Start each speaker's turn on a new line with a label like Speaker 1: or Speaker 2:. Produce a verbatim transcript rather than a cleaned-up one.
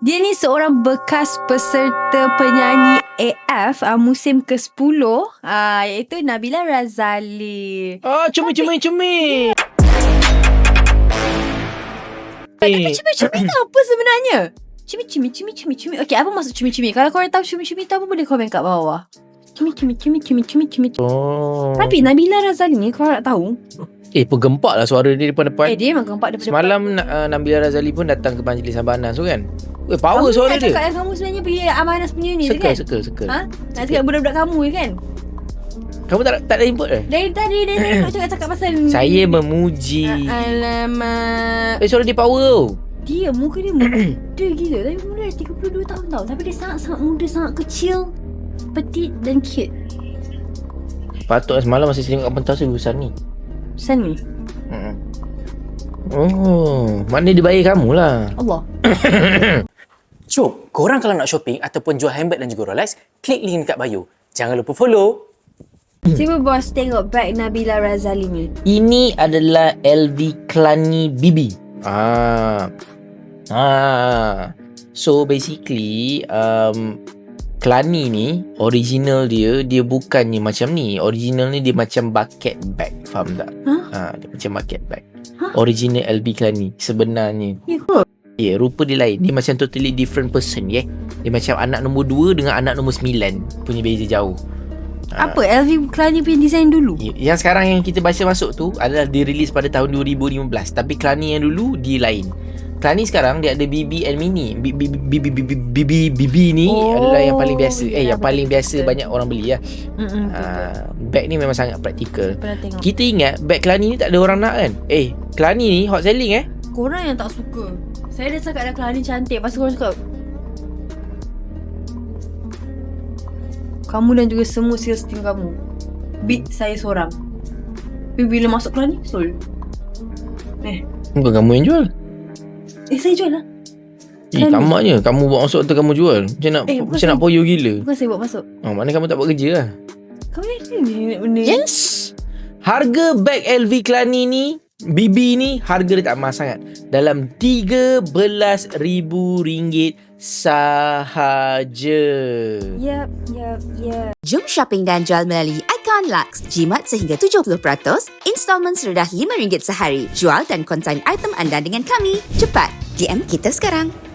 Speaker 1: Dia ni seorang bekas peserta penyanyi A F uh, musim ke sepuluh, uh, iaitu Nabila Razali.
Speaker 2: Oh, cumi-cumi-cumi.
Speaker 1: Tapi cumi-cumi tu apa sebenarnya? Cumi-cumi, cumi-cumi, cumi. Okey, apa maksud cumi-cumi? Kalau korang tahu cumi-cumi tu apa, boleh komen kat bawah. Cumi-cumi, cumi-cumi, cumi-cumi.
Speaker 2: Oh.
Speaker 1: Tapi Nabila Razali ni, korang nak tahu,
Speaker 2: Eh, penggempak lah suara dia depan-depan.
Speaker 1: eh dia memang gempak daripada
Speaker 2: Semalam uh, Nabila Razali pun datang ke Majlis Sabanas tu kan. Eh, power
Speaker 1: kamu
Speaker 2: suara
Speaker 1: nak
Speaker 2: dia.
Speaker 1: cakap yang kamu sebenarnya pergi Amanas punya ni tu
Speaker 2: Seka,
Speaker 1: kan?
Speaker 2: seka, seka.
Speaker 1: Ha? Nak cakap budak-budak kamu je kan?
Speaker 2: Kamu tak tak ada input ke?
Speaker 1: Dari tadi dia nak cakap-cakap pasal
Speaker 2: Saya memuji.
Speaker 1: Alamak.
Speaker 2: Eh, suara dia power tau.
Speaker 1: Dia muka dia muda gila. Tapi muda dah tiga puluh dua tahun tau. Tapi dia sangat-sangat muda, sangat kecil, petit dan cute.
Speaker 2: Patut semalam masa saya tengok kat pentas tu besar ni.
Speaker 1: Sen ni
Speaker 2: Hmm. Oh, maknanya dia bayar kamu lah.
Speaker 1: Allah.
Speaker 3: Jom, korang kalau nak shopping ataupun jual handbag dan juga Rolex, klik link dekat bio. Jangan lupa follow.
Speaker 1: Cuba bos tengok bag Nabila Razali ni.
Speaker 2: Ini adalah L V Klani Bibi. Ah. Ah. So basically um Klani ni original dia dia bukannya macam ni. Original ni dia macam bucket bag, faham tak?
Speaker 1: Huh?
Speaker 2: Ah, dia macam bucket bag.
Speaker 1: Huh?
Speaker 2: Original L V Klani sebenarnya.
Speaker 1: Ya ke?
Speaker 2: Ya, yeah, rupa dia lain. Dia macam totally different person, ya. Yeah? Dia macam anak nombor dua dengan anak nombor sembilan. Punya beza jauh. Ah.
Speaker 1: Apa L V Klani punya design dulu?
Speaker 2: Yang sekarang yang kita baca masuk tu adalah dirilis pada tahun dua ribu lima belas. Tapi Klani yang dulu dia lain. Klani sekarang dia ada B B and Mini. B B B B B B B B ni
Speaker 1: Oh,
Speaker 2: adalah yang paling biasa. Eh,
Speaker 1: ya,
Speaker 2: yang
Speaker 1: betul,
Speaker 2: paling biasa
Speaker 1: betul.
Speaker 2: banyak orang beli lah.
Speaker 1: Mm-mm,
Speaker 2: Ah, bag ni memang sangat praktikal.
Speaker 1: Pernah tengok.
Speaker 2: Kita ingat bag Klani ni tak ada orang nak kan? Eh, Klani ni hot selling eh.
Speaker 1: Korang yang tak suka. Saya dah cakap dah Klani cantik. Lepas tu korang cakap kamu dan juga semua sales team kamu beat saya seorang. Tapi bila masuk Klani, betul. Eh,
Speaker 2: Bukan kamu yang jual.
Speaker 1: eh saya jual lah.
Speaker 2: Eh,
Speaker 1: Klani.
Speaker 2: tamaknya kamu buat masuk tu kamu jual. Macam nak
Speaker 1: Eh,
Speaker 2: macam
Speaker 1: bukan
Speaker 2: nak
Speaker 1: saya-
Speaker 2: poyo gila.
Speaker 1: Bukan saya buat masuk.
Speaker 2: Oh, maknanya kamu tak buat kerja lah.
Speaker 1: Kamu yakin ni benda?
Speaker 2: Yes. Harga bag L V Klani ni, B B ni, harga dia tak mahal sangat. Dalam tiga belas ribu ringgit sahaja.
Speaker 1: Yap, yap, yap.
Speaker 4: Jom shopping dan jual melalui Icon Lux. Jimat sehingga tujuh puluh peratus, installmen serendah lima ringgit sehari. Jual dan konsign item anda dengan kami. Cepat, D M kita sekarang.